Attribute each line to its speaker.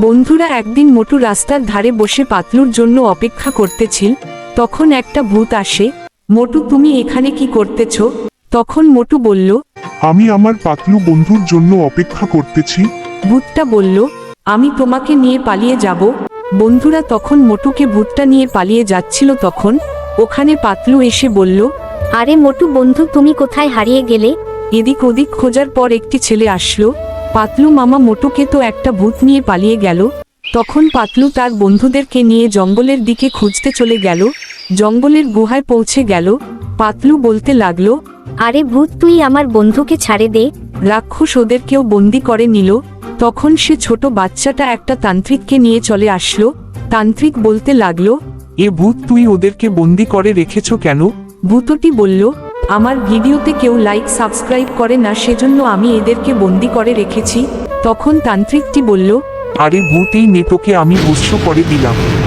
Speaker 1: বন্ধুরা একদিন মোটু রাস্তার ধারে বসে পাতলুর জন্য অপেক্ষা করতেছিল। তখন একটা ভূত আসে। মোটু, তুমি এখানে কি করতেছ? তখন মোটু বলল,
Speaker 2: আমি আমার পাতলু বন্ধুর জন্য অপেক্ষা করতেছি।
Speaker 1: ভূতটা বলল, আমি তোমাকে নিয়ে পালিয়ে যাব। বন্ধুরা তখন মোটুকে ভূতটা নিয়ে পালিয়ে যাচ্ছিল, তখন ওখানে পাতলু এসে বলল,
Speaker 3: আরে মোটু বন্ধু, তুমি কোথায় হারিয়ে গেলে?
Speaker 1: এদিক ওদিক খোঁজার পর একটি ছেলে আসলো। পাতলু মামা, মোটুকে তো একটা ভূত নিয়ে পালিয়ে গেল। তখন পাতলু তার বন্ধুদেরকে নিয়ে জঙ্গলের দিকে খুঁজতে চলে গেল। জঙ্গলের গুহায় পৌঁছে গেল। পাতলু বলতে লাগলো,
Speaker 3: আরে ভূত, তুই আমার বন্ধুকে ছাড়ে দে।
Speaker 1: রাক্ষস ওদেরকেও বন্দি করে নিল। তখন সে ছোট বাচ্চাটা একটা তান্ত্রিককে নিয়ে চলে আসলো। তান্ত্রিক বলতে লাগলো,
Speaker 4: এ ভূত, তুই ওদেরকে বন্দি করে রেখেছ কেন?
Speaker 1: ভূতটি বলল, আমার ভিডিওতে কেউ লাইক সাবস্ক্রাইব করে না, সেজন্য আমি এদেরকে বন্দি করে রেখেছি। তখন তান্ত্রিকটি বলল,
Speaker 4: আরে ভূত, এই নেটোকে আমি ভস্ম করে দিলাম।